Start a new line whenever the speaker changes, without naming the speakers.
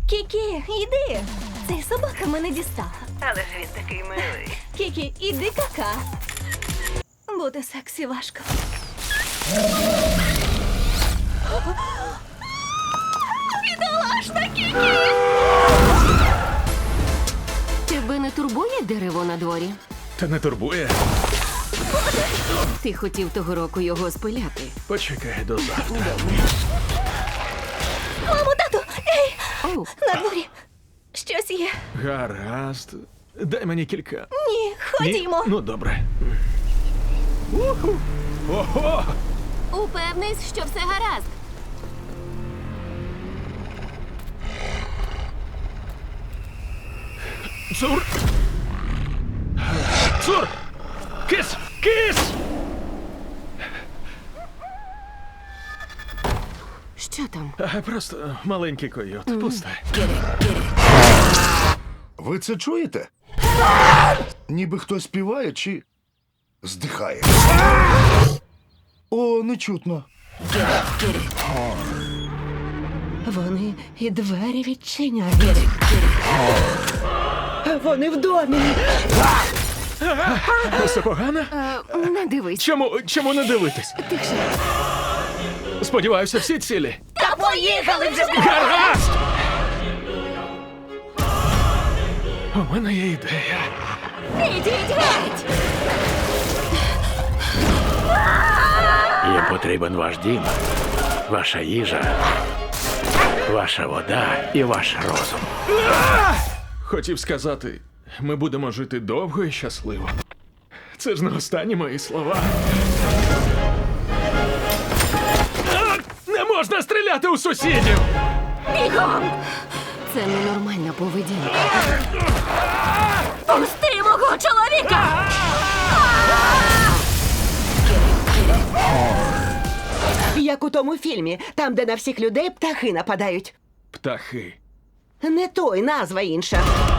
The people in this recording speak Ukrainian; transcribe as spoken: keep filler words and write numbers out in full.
Кікі, іди. Цей собака мене дістала.
Але ж він такий милий.
Кікі, іди кака. Бути сексі важко. Бідолашна Кікі!
Тебе не турбує дерево на дворі?
Та не турбує.
Ти хотів того року його спиляти.
Почекай до завтра.
Мамо, тату! Ей!
Оу,
На дворі! Щось є.
Гаразд. Дай мені кілька.
Ні,
Ні?
ходімо.
Ну, добре. Уху. Ого!
упевнись, що все гаразд.
Цур! Цур! Кис! Кис!
Що там?
А, просто маленький койот. Пусте.
Ви це чуєте? Ніби хтось співає чи здихає. О, не чутно.
Вони і двері відчиняють. Вони в домі.
Все погано?
Е, не дивись.
Чому, чому не дивитись?
Тихше.
Сподіваюся, всі цілі.
Та поїхали вже!
Гаразд! У мене є ідея.
Ідіть геть!
Їм потрібен ваш дім, ваша їжа, ваша вода і ваш розум.
Хотів сказати, ми будемо жити довго і щасливо. Це ж не останні мої слова. А! Не можна стріляти у сусідів!
Бігом!
Це ненормальна поведінка.
Пусти мого чоловіка!
Як у тому фільмі, там, де на всіх людей птахи нападають.
Птахи.
Не той, назва інша.